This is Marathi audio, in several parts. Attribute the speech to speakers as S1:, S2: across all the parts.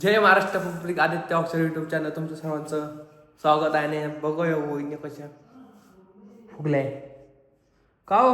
S1: जय महाराष्ट्र पब्लिक आदित्य अक्षर युट्यूब चॅनल तुमचं सर्वांचं स्वागत आहे. आणि बघूया वहिनी कशा फुगलाय का हो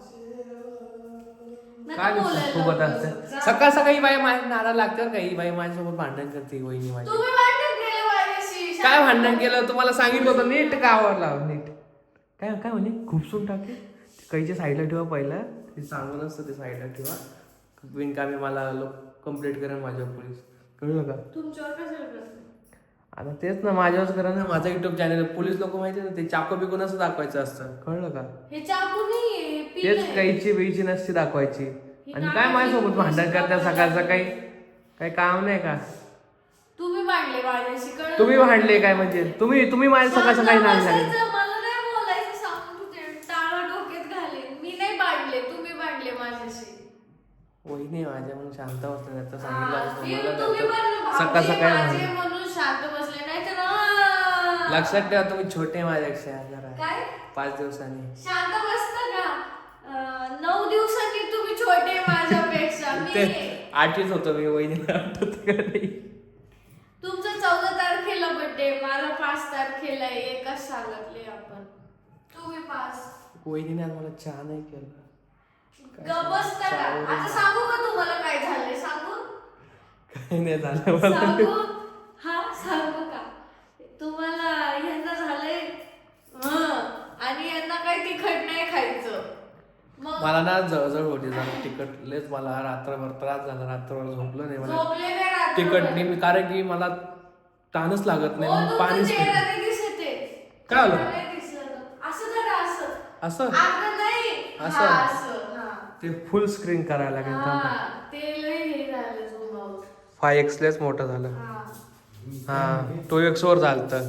S1: काय फुगत असते. सकाळ सकाळी बाई माझ्या नारा लागते काही बाई माझ्यासोबत भांडण करते. वहिनी माझी काय भांडण केलं तुम्हाला सांगितलं होतं नीट गावावर लाव नीट काय काय म्हणे खुपसून टाके काहीच्या साईडला ठेवा पहिला ते सांगून असतं ते साईडला ठेवा बिनकामी मला कंप्लेंट करेन माझ्यावर पोलीस कळलं का
S2: तुमच्यावर कशाला करते?
S1: आता तेच ना माझ्यावरच करा ना. माझा युट्यूब चॅनल पोलीस लोक माहिती ना ते चाकू बिकून असं दाखवायचं असतं कळलं का.
S2: हे चाकू नाहीये, पिन
S1: तेच
S2: आहे.
S1: काहीची बेची नसती दाखवायची. आणि काय माझ्यासोबत भांडण करता सकाळ सकाळी काही काम नाही का.
S2: तुम्ही भांडले माझ्याशी कळलं?
S1: तुम्ही भांडले काय म्हणजे तुम्ही माझ्या सकाळ सकाळी नाही झाले.
S2: मला नाही बोलायचं सांगून तू ते टाळा डोक्यात घालेन. मी नाही भांडले, तुम्ही भांडले माझ्याशी.
S1: वहिनी माझ्या म्हणून शांत बसले नाही तर
S2: हा,
S1: सांगितलं असतं
S2: तुम्ही
S1: मला
S2: पण
S1: सकाळ
S2: भावजे
S1: सकाळी
S2: माझे
S1: भांडण.
S2: म्हणून शांत बसले नाही तर
S1: लक्षात ठेवा तुम्ही छोटे माझ्यापेक्षा जरा
S2: काय
S1: 5 दिवसांनी
S2: शांत बसता का 9 दिवसांनी तुम्ही छोटे माझ्यापेक्षा.
S1: ते
S2: मी
S1: 8च होतो मी वहिनीला आठवत का नाही.
S2: तुमचा 14 तारखेला बर्थडे, माझा 5 तारखेला आहे. एकाच सांगितले आपण. तुम्ही 5.
S1: वहिनीने आज मला चहा नाही केला.
S2: बसता का? आता सांगू का तुम्हाला काय झालंय? सांगू
S1: काही नाही झालं मला.
S2: सांगू हा सांगू का तुम्हाला? यांना झालंय आणि यांना काही तिखट नाही खायचं. मग
S1: मला ना जळजळ होती जरा तिखट लयच मला रात्रभर त्रास झाला. रात्रभर झोपलो नाही मला
S2: झोपले नाही रात्रभर.
S1: तिखट नाही कारण की मला ताणच लागत नाही.
S2: हो,
S1: मग
S2: तुमचं
S1: पाणीच
S2: चेहरा
S1: पितो.
S2: नाही दिसते.
S1: काय झालं?
S2: चेहरा नाही दिसलं. असं करा असं.
S1: असं
S2: आता नाही.
S1: असं?
S2: हा, असं हा.
S1: ते फुल स्क्रीन करायला लागेल
S2: हा, ते लय हे झालं झोमावर.
S1: 5x लेच मोठं झालं.
S2: हा.
S1: हा 2x वर झालं.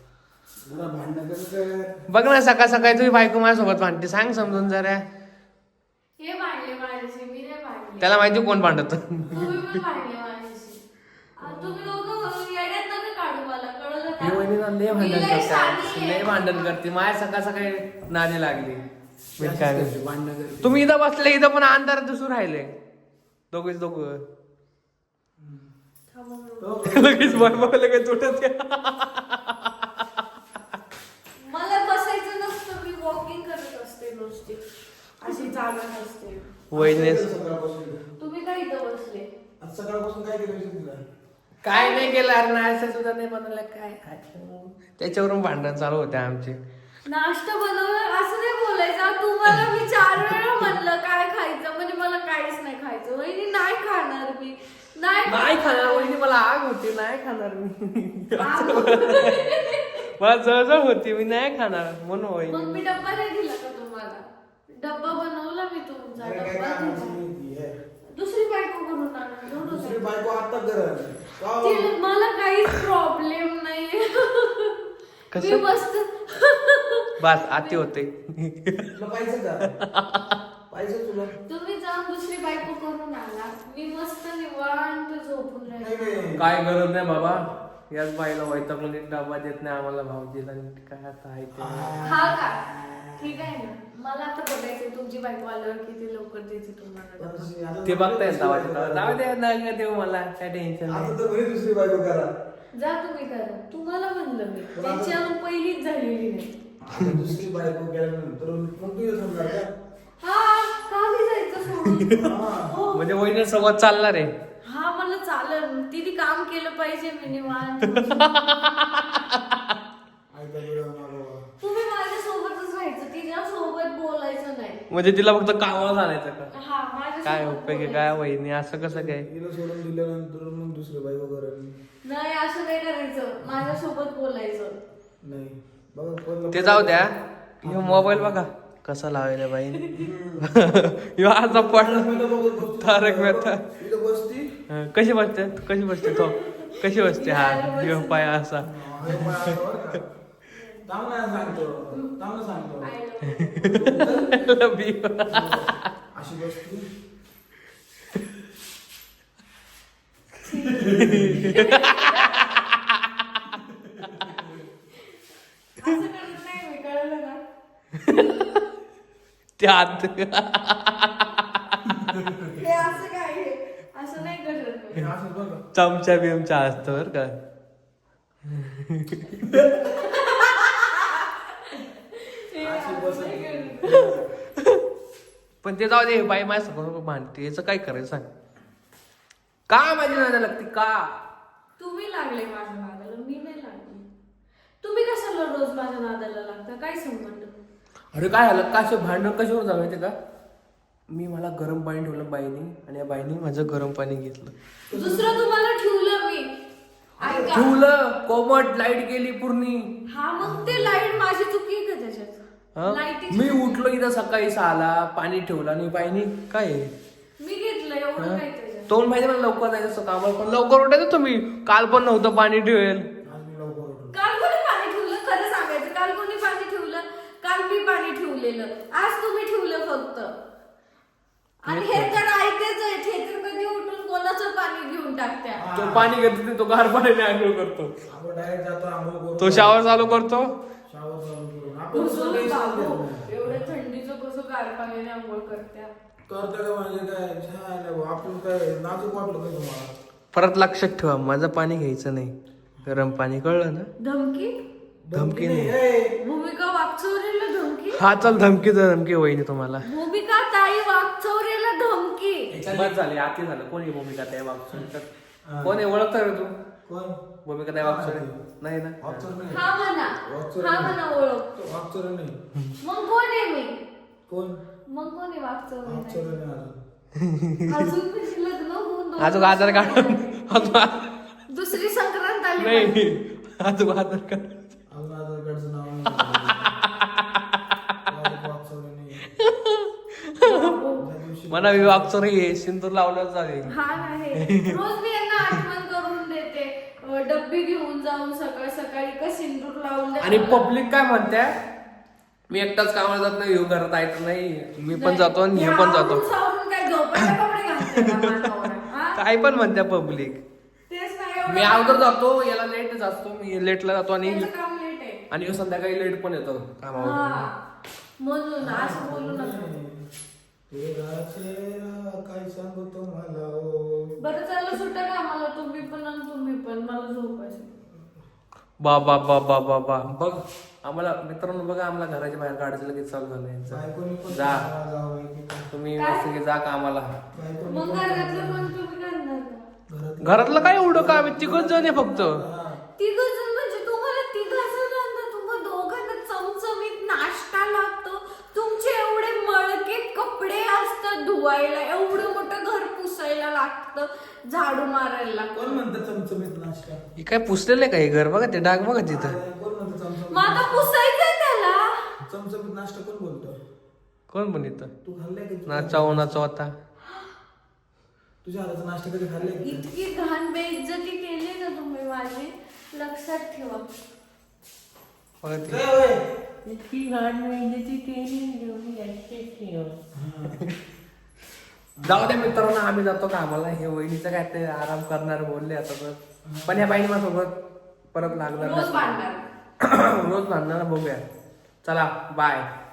S1: बघ ना सकाळ सकाळी तुम्ही बायको माझ्यासोबत भांडते सांग समजून जरा.
S2: हे भांडले माझ्याशी, मी नाही भांडले.
S1: त्याला माहिती कोण भांडत.
S2: तुम्ही पण भांडले माझ्याशी. तुम्ही दोघं येड्यात नका काढू मला, कळलं का?
S1: ही वहिनीला लय
S2: मी
S1: भांडण
S2: लय शहाणी
S1: करते
S2: आहे.
S1: लय भांडण करते माझ्या सकाळ सकाळी नादी लागली. तुम्ही इथं बसले इथं पण अंधार दिसून राहिले दोघेच दोघं.
S2: थांबा बरं.
S1: लगेच बघ लगेच उठत
S2: मला बसायचं नसतं, मी वॉकिंग करत असते नुसती. अशी चालत असते.
S1: वहिनीस
S2: तुम्ही काय इथं बसले?
S3: सकाळपासून काय केलं?
S1: काय नाही केलं अरे नाश्ता सुद्धा नाही बनवलं काय. त्याच्यावरून भांडण चालू होते आमचे.
S2: नाश्ता बनवलं असं नाही बोलायचं. तुम्हाला मी 4 वेळा म्हणलं काय खायचं, म्हणजे मला काहीच नाही खायचं. वहिनी नाही खाणार मी.
S1: नाही खाणार वहिनी मला आग होती नाही खाणार मी. मला जळजळ होती मी नाही खाणार म्हणून
S2: मग
S1: वहिनी.
S2: मी डब्बा नाही दिला का तुम्हाला? डब्बा बनवला मी तुमचा. डब्बा दिला. दुसरी बायको करून आणा.
S3: दुसरी बायको आता कर.
S2: तिला- मला काहीच प्रॉब्लेम नाहीये.
S1: कसं?
S2: मी मस्त
S1: बस आती होते.
S3: तुला पाहिजे का? पाहिजे तुला?
S2: तुम्ही जाऊन दुसरी बायको करून आला. मी मस्त निवांत झोपून
S3: नाही
S2: राहिले.
S3: नाही.
S1: काय गरज नाही बाबा याच बाईला वैतागून नीट डबा देत नाही आम्हाला भाऊजीला नीट काय आता आहे ते.
S2: हा का? ठीक आहे ना. मला आता बघायचं तुमची बायको आल्यावर किती लवकर देते तुम्हाला डबा.
S1: ते बघताय जाऊ दे नका देऊ मला काय टेन्शन
S3: आता
S1: नाही.
S3: तर म्हणे दुसरी बायको करा.
S2: जा तुम्ही करा. तुम्हाला म्हणलं मी. त्याच्यावर पहिलीच झालेली नाही.
S3: आता दुसरी बायको केल्यानंतर मग तू येत होणार का?
S2: हा खाली जायचं सोडून. हो.
S1: म्हणजे वहिनी सोबत चालणार आहे.
S2: हा मला चालेल. तिने काम केलं पाहिजे मी निवांत.
S3: आयता वेळ होणार बाबा.
S2: तुम्ही माझ्या सोबतच राहायचं, तिच्या सोबत बोलायचं नाही.
S1: म्हणजे तिला फक्त कामाला जाण्याचं का
S2: हा माझ्या
S1: काय
S2: सोबत
S1: उपयोग आहे
S2: बोलायचं.
S1: काय वहिनी असं कसं काय.
S3: हिला सोडून दिल्यानंतर मग दुसरी बायको करेल.
S2: नाही असं नाही करायचं. माझ्या सोबत बोलायचं.
S3: नाही बघा कोणला-
S1: ते जाऊ द्या. ह्यो मोबाईल बघा कसा लावायला बाई. ह्यो असा पडला तारक मेहता.
S3: इथं बसती.
S1: कशी बसते तो कशी बसते हा ह्यो पाय असा.
S3: चांगला सांगतो. चांगलं सांगतो.
S2: I love you.
S3: अशी बसती.
S2: असं करत नाही मी, कळलं ना?
S1: त्यात
S2: हे असं काय आहे? असं नाही करत मी.
S3: असं बघ.
S1: चमचा बिमचा असतो बरं का.
S3: अशी बसत.
S1: पण ते जाऊ दे, बाई माझ्यासमोर भांडते, याचं काय करायचं सांग. का माझी नादा लागते का?
S2: तुम्ही लागले माझ्या नादाला, मी नाही लागले. तुम्ही कशाला रोज माझ्या नादाला लागता, काय संबंध?
S1: अरे काय झालं का, असे भांडण कशावर झालं माहिती का? मला गरम पाणी ठेवलं बाईने, आणि या बाईने माझं गरम पाणी घेतलं.
S2: दुसरं तुम्हाला ठेवलं मी. ऐका.
S1: ठेवलं, कोमट लाईट गेली पूर्णी.
S2: हा मग ते लाईट माझी चुकी आहे का त्याच्यात?
S1: हा?
S2: लाईटीची
S1: मी
S2: चुकी.
S1: उठलो इथं सकाळी 6ला, पाणी ठेवलं आणि बाईने काय आहे?
S2: मी घेतलं एवढं
S1: हा?
S2: काय त्याच्यात?
S1: तो माहिती मला लवकर जायचं असं कामाला, पण लवकर उठायचं तुम्ही. काल पण नव्हतं पाणी ठेवेल.
S3: आज मी लवकर उठलो.
S2: काल कोणी पाणी ठेवलं? खरं सांगायचं, काल कोणी पाणी ठेवलं? काल मी पाणी ठेवलेलं, आज तुम्ही ठेवलं फक्त. आणि हे तर ऐकायचं आहे, हे तर कधी उठून कोणाचं पाणी घेऊन टाकत्या.
S1: तो पाणी घेतो, तो गार पाण्याने आंघोळ करतो.
S3: आपण डायरेक्ट जातो आंघोळ करतो.
S1: तो शावर चालू करतो.
S3: शावर चालू करून आपण
S2: कसं
S3: सगळे
S2: बाबू,
S3: सांगतो.
S2: एवढ्या थंडीचं कसं गार पाण्याने आंघोळ करत्या?
S3: करतो का म्हणजे काय छान आहे भाऊ. आपण काय नाजूक वाटलं का तुम्हाला?
S1: परत लक्षात ठेवा, माझं पाणी घ्यायचं नाही, गरम पाणी, कळलं ना?
S2: धमकी?
S1: धमकी नाही.
S3: ए,
S2: भूमिका वागचौरेला धमकी?
S1: हा चल, धमकी तर धमकी होईन तुम्हाला.
S2: भूमिका ताई वागचौरेला धमकी?
S1: बस झाली, आती झालं. कोणी भूमिका त्या वागचोर? कोण आहे, ओळखता का तू?
S3: कोण?
S1: भूमिका त्या वागचोर नाही ना?
S3: वागचोर नाही.
S2: हा म्हणा,
S3: वागचौरे
S2: हा
S3: नाही.
S2: म्हणा ओळखतो.
S3: वागचोर नाही.
S2: मग कोण आहे मी?
S3: कोण?
S2: मग कोण आहे
S3: वागचोर
S2: वागचौरे?
S3: नाही अजून.
S2: अजून म्हणजे लग्न होऊन दोन
S1: अजून आधार कार्ड
S2: दुसरी संक्रांत आली
S1: नाही,
S2: माझी.
S1: अजून आधार कार्ड.
S3: अजून आधार कार्डचं नाव नाही. वागचौर नाही. त्या दिवशी
S1: मला मी वागचोर हे सिंदूर लावलं चालेल.
S2: हा नाही, रोज मी यांना आठवण करून देते. डब्बी घेऊन जाऊन सकाळ सकाळी का सिंदूर लावून द्या.
S1: आणि पब्लिक काय म्हणते, मी एकटाच कामाला जात नाही, ह्यो घरात ऐकत नाही, मी पण जातो आणि हे पण जातो.
S2: आवरून सावरून काय झोपायला कपडे घालते का मानवावर, हा?
S1: काय पण म्हणते पब्लिक.
S2: तेच नाही एवढं.
S1: मी अगोदर जातो, याला लेट असतो, मी लेटला जातो आणि
S2: त्याचं काम लेट आहे.
S1: आणि ह्यो संध्याकाळी लेट पण येतो कामावर.
S2: हा. म्हणून असं बोलू नका.
S3: तेरा चेहरा काय सांगू तुम्हाला ओ.
S2: बरं चाललं सुट्टा कामाला, तुम्ही पण आणि तुम्ही पण, मला झोपायचं.
S1: बा बा बा बा बा बा बघ, आम्हाला मित्रांनो बघा, आम्हाला घराच्या बाहेर काढायचं लगेच चालू झालं यांचं.
S3: बायकोनी पण
S1: जा.
S3: जावं की काय.
S1: तुम्ही
S2: काय?
S1: मस्त की जा कामाला.
S3: बायकोनी
S2: मग
S3: पण
S2: घरातलं पण तुम्ही करणार का?
S3: घरातलं-
S1: घरातलं काय एवढं काम आहे, तिकडच जण आहे फक्त.
S3: हा.
S2: तिघं जण म्हणजे तुम्हाला तिघं जणांना, तुम्हा दोघांना चमचमीत नाश्ता लागतो, तुमचे एवढे मळके कपडे असतात धुवायला, एवढं मोठं घर पुसायला लागतं, झाडू मारायला लागतं.
S3: कोण म्हणतं चमचमीत नाश्ता?
S1: हे काय पुसलेलं आहे का हे घर, बघा ते डाग बघा तिथं.
S3: कोण म्हणतं चमचमीत?
S2: मग आता पुसायचंय त्याला.
S3: चमचमीत नाश्ता कोण बोलतो?
S1: कोण पण इथं
S3: तू खाल्लाय की?
S1: नाचाव आता.
S3: तुझ्या हाताचा नाश्ता कधी खाल्लाय की?
S2: इतकी घाण बेइज्जती केली ना तुम्ही माझी, लक्षात ठेवा.
S1: बघा ते.
S3: काय होय?
S1: इतकी घाण मेहनती केली. जाऊ दे मित्रांनो, आम्ही जातो कामाला. हे वहिनीचं काय ते आराम करणार बोलले आता तर. पण ह्या बाईने माझ्यासोबत परत लागणार
S2: रोज
S1: नाही.
S2: भांडणार.
S1: रोज भांडणार, बघूया. चला बाय.